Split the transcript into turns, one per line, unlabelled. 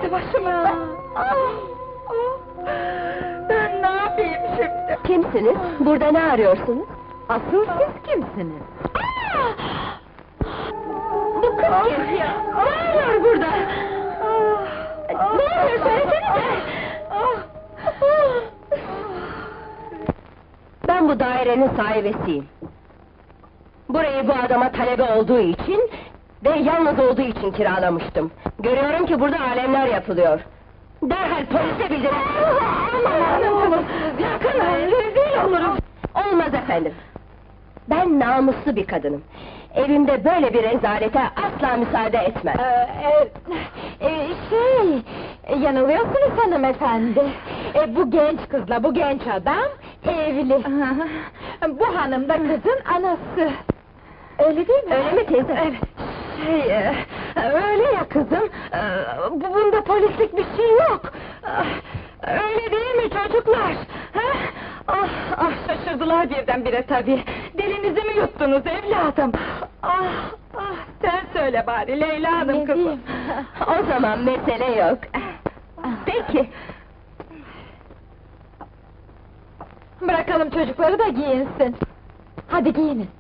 başıma! Ben ne yapayım şimdi?
Kimsiniz? Burada ne arıyorsunuz? Asıl siz kimsiniz? Bu kız kim ya? Ne arıyor burada? Ne oluyor söylesenize! Ben bu dairenin sahibesiyim. Burayı bu adama talebe olduğu için ve yalnız olduğu için kiralamıştım. Görüyorum ki burada alemler yapılıyor. Derhal polise bildirin! Yakın, rezil olurum! Olmaz efendim! Ben namuslu bir kadınım. Evimde böyle bir rezalete asla müsaade etmem.
Yanılıyorsunuz hanımefendi. Bu genç kızla bu genç adam evli. Bu hanım da kızın anası. Öyle değil mi?
Öyle mi teyze?
Öyle ya kızım. Bunda polislik bir şey yok. Öyle değil mi çocuklar? Şaşırdılar birdenbire tabii. Dilinizi mi yuttunuz evladım? Sen söyle bari Leyla Hanım kızım.
O zaman mesele yok. Peki.
Bırakalım çocukları da giyinsin. Hadi giyinin.